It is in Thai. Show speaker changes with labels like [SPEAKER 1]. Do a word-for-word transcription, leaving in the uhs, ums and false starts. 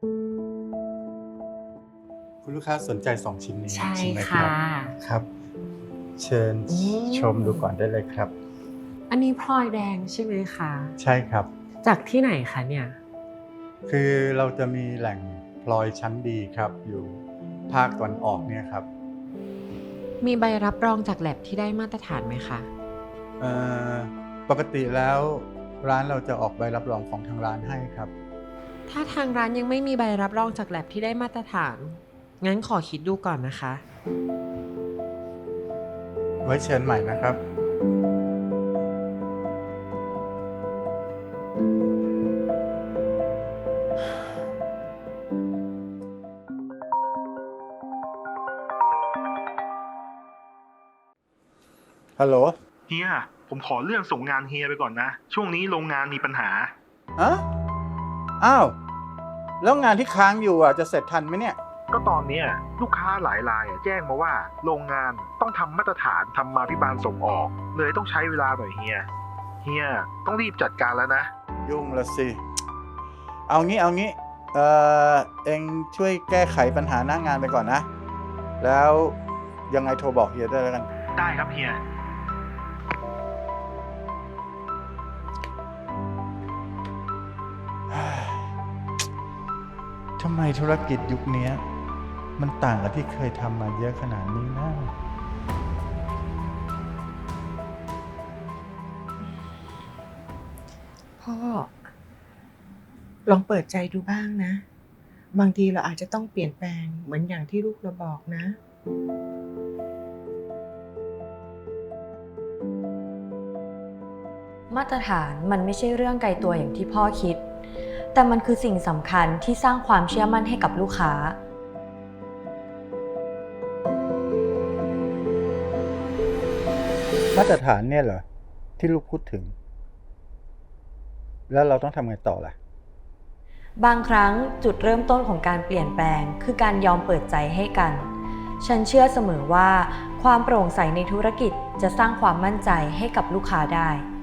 [SPEAKER 1] คุณลูกค้าสนใจสองชิ้นนี้
[SPEAKER 2] ใช่
[SPEAKER 1] ใช่ไหมค
[SPEAKER 2] ค่ะ
[SPEAKER 1] รับครับ เชิญ
[SPEAKER 2] อืม
[SPEAKER 1] ชมดูก่อนได้เลยครับ
[SPEAKER 2] อันนี้พลอยแดงใช่ไหมคะ
[SPEAKER 1] ใช่ครับ
[SPEAKER 2] จากที่ไหนคะเนี่ย
[SPEAKER 1] คือเราจะมีแหล่งพลอยชั้นดีครับ อยู่ภาคตะวันออกเนี่ยครับ
[SPEAKER 2] มีใบรับรองจากแลบที่ได้มาตรฐานไหมคะ
[SPEAKER 1] เอ่อปกติแล้วร้านเราจะออกใบรับรองของทางร้านให้ครับ
[SPEAKER 2] ถ้าทางร้านยังไม่มีใบรับรองจากแลบที่ได้มาตรฐาน งั้นขอคิดดูก่อนนะคะ
[SPEAKER 1] ไว้เชิญใหม่นะครับ ฮัลโหล
[SPEAKER 3] เฮีย ผมขอเลื่อนส่งงานเฮียไปก่อนนะ ช่วงนี้โรงงานมีปัญหา
[SPEAKER 1] ฮะ อ้าว แล้วงานที่ค้างอยู่อ่ะจะเสร็จทันไหมเนี่ย
[SPEAKER 3] ก็ตอนเนี้ยลูกค้าหลายรายอะแจ้งมาว่าโรงงานต้องทำมาตรฐานทำมาพิบาลส่งออก เลยต้องใช้เวลาหน่อยเฮีย เฮียต้องรีบจัดการแล้วนะ
[SPEAKER 1] ยุ่งละสิ เอางี้เอางี้ เอ่อ เองช่วยแก้ไขปัญหาหน้างานไปก่อนนะ แล้วยังไงโทรบอกเฮียได้แล้วกัน
[SPEAKER 3] ได้ครับเฮีย
[SPEAKER 1] ทำไมธุรกิจยุคนี้มันต่างกับที่เคยทำมาเยอะขนาดนี้นะ
[SPEAKER 4] พ่อ ลองเปิดใจดูบ้างนะ บางทีเราอาจจะต้องเปลี่ยนแปลงเหมือนอย่างที่ลูกเราบอกนะ
[SPEAKER 5] มาตรฐานมันไม่ใช่เรื่องไกลตัวอย่างที่พ่อคิด แต่มันคือสิ่งสำคัญที่สร้างความเชื่อมั่นให้กับลูกค้า
[SPEAKER 1] มาตรฐานเนี่ยเหรอ ที่ลูกพูดถึง แล้วเราต้องทำไงต่อล่ะ
[SPEAKER 5] บางครั้งจุดเริ่มต้นของการเปลี่ยนแปลงคือการยอมเปิดใจให้กัน ฉันเชื่อเสมอว่าความโปร่งใสในธุรกิจจะสร้างความมั่นใจให้กับลูกค้าได้